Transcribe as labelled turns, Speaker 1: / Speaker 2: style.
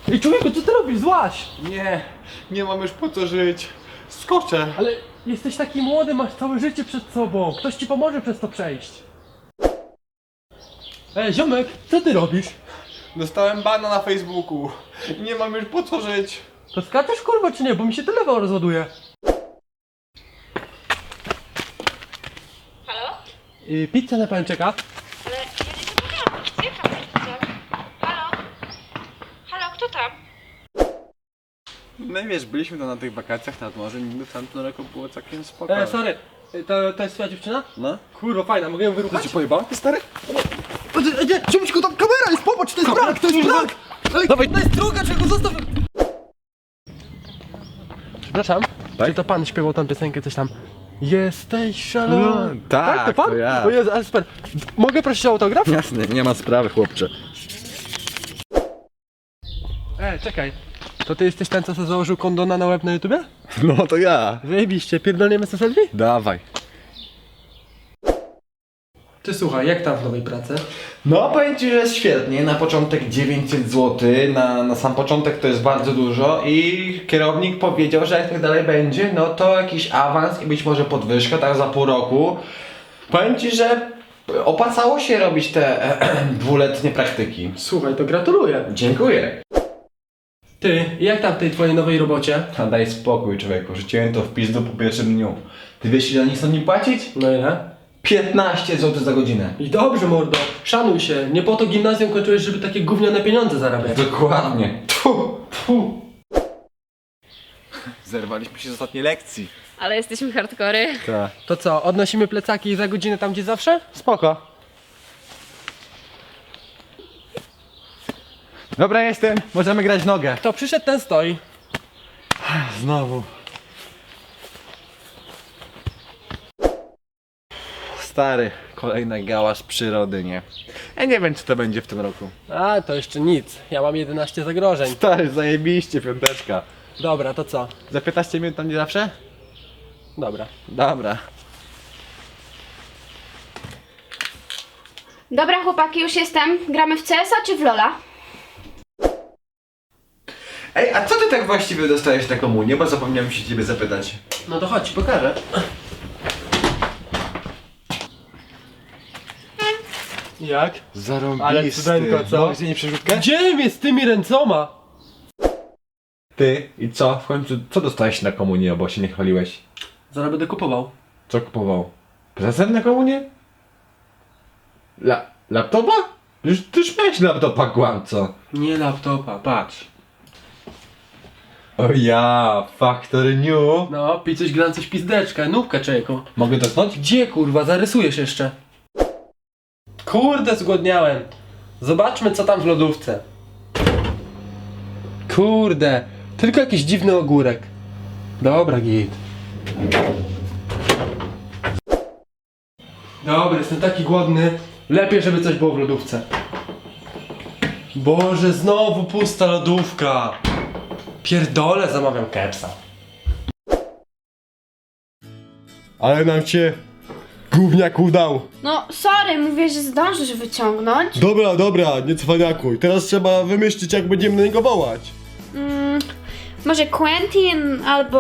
Speaker 1: Ej, człowieku, co ty robisz? Złaś!
Speaker 2: Nie mam już po co żyć. Skoczę.
Speaker 1: Ale jesteś taki młody, masz całe życie przed sobą. Ktoś ci pomoże przez to przejść. Ej, ziomek, co ty robisz?
Speaker 2: Dostałem bana na Facebooku. Nie mam już po co żyć.
Speaker 1: To skaczesz, kurwa, czy nie? Bo mi się telefon rozładuje.
Speaker 3: Halo?
Speaker 1: Pizza na pan czeka.
Speaker 3: Ale ja nie zapomniałam. Jaka pizza? Halo? Halo, kto tam?
Speaker 2: No i wiesz, byliśmy tam na tych wakacjach nad morzem, niby w tamtym roku było całkiem spoko.
Speaker 1: Sorry, to jest twoja dziewczyna?
Speaker 2: No?
Speaker 1: Kurwa, fajna, mogę ją wyruchać?
Speaker 2: Ci pojebał? Stary?
Speaker 1: Nie, ciągnij tam kamera jest, popatrz, to jest prank, to jest prank! Dawaj, to jest druga, czego zostaw! Przepraszam, czy to pan śpiewał tam piosenkę, coś tam? Jesteś szalony.
Speaker 2: No, tak,
Speaker 1: to pan?
Speaker 2: to ja.
Speaker 1: O Jezu, ale super. Mogę prosić o autograf?
Speaker 2: Jasne, nie ma sprawy, chłopcze.
Speaker 1: Czekaj. To ty jesteś ten, co sobie założył kondona na łeb na YouTubie?
Speaker 2: No to ja.
Speaker 1: Wyjebiście, pierdolniemy sobie selfie?
Speaker 2: Dawaj.
Speaker 1: Ty słuchaj, jak tam w nowej pracy?
Speaker 4: No powiem ci, że jest świetnie, na początek 900 zł, na sam początek to jest bardzo dużo i kierownik powiedział, że jak tak dalej będzie, no to jakiś awans i być może podwyżka, tak za pół roku. Powiem ci, że opłacało się robić te dwuletnie praktyki.
Speaker 1: Słuchaj, to gratuluję.
Speaker 4: Dziękuję.
Speaker 1: Ty, jak tam w tej twojej nowej robocie?
Speaker 4: A daj spokój człowieku, rzuciłem to w pizdu po pierwszym dniu. Ty wiesz ile oni chcą mi płacić?
Speaker 1: No ile?
Speaker 4: 15 zł za godzinę.
Speaker 1: I dobrze, mordo, szanuj się. Nie po to gimnazjum kończyłeś, żeby takie gówniane pieniądze zarabiać.
Speaker 4: Dokładnie.
Speaker 1: Fu.
Speaker 2: Zerwaliśmy się z ostatniej lekcji.
Speaker 3: Ale jesteśmy hardkory.
Speaker 2: Tak.
Speaker 1: To co, odnosimy plecaki za godzinę tam, gdzie zawsze?
Speaker 2: Spoko. Dobra, jestem. Możemy grać w nogę.
Speaker 1: To przyszedł, ten stoi.
Speaker 2: Znowu. Stary, kolejna gała z przyrody, nie? Ja nie wiem, czy to będzie w tym roku.
Speaker 1: A, to jeszcze nic. Ja mam 11 zagrożeń.
Speaker 2: Stary, zajebiście, piąteczka.
Speaker 1: Dobra, to co?
Speaker 2: Za 15 minut tam gdzie zawsze?
Speaker 1: Dobra.
Speaker 2: Dobra.
Speaker 5: Dobra chłopaki, już jestem. Gramy w CS-a czy w LoL'a?
Speaker 4: Ej, a co ty tak właściwie dostajesz na komunię? Bo zapomniałem się ciebie zapytać.
Speaker 1: No to chodź, pokażę. Jak?
Speaker 2: Zarąbisty.
Speaker 1: Ale cudeńko, co?
Speaker 2: Mogę nie przerzutkę?
Speaker 1: Gdzie mnie z tymi ręcoma?
Speaker 4: Ty i co? W końcu co dostałeś na komunię, bo się nie chwaliłeś?
Speaker 1: Zaraz będę kupował.
Speaker 4: Co kupował? Prezent na komunię? Laptopa? Ty już miałeś laptopa, kłamco.
Speaker 1: Nie laptopa, patrz.
Speaker 4: O ja, Factory New.
Speaker 1: No, pij coś, gram coś pizdeczka, nówkę człowieku.
Speaker 4: Mogę dotknąć?
Speaker 1: Gdzie kurwa, zarysujesz jeszcze? Kurde, zgłodniałem. Zobaczmy co tam w lodówce. Kurde, tylko jakiś dziwny ogórek. Dobra, git. Dobra, jestem taki głodny. Lepiej, żeby coś było w lodówce. Boże, znowu pusta lodówka. Pierdolę, zamawiam kepsa.
Speaker 6: Ale nam cię gówniak udał.
Speaker 5: No, sorry, mówię, że zdążysz wyciągnąć.
Speaker 6: Dobra, nie cwaniakuj. Teraz trzeba wymyślić, jak będziemy na niego wołać.
Speaker 5: Może Quentin albo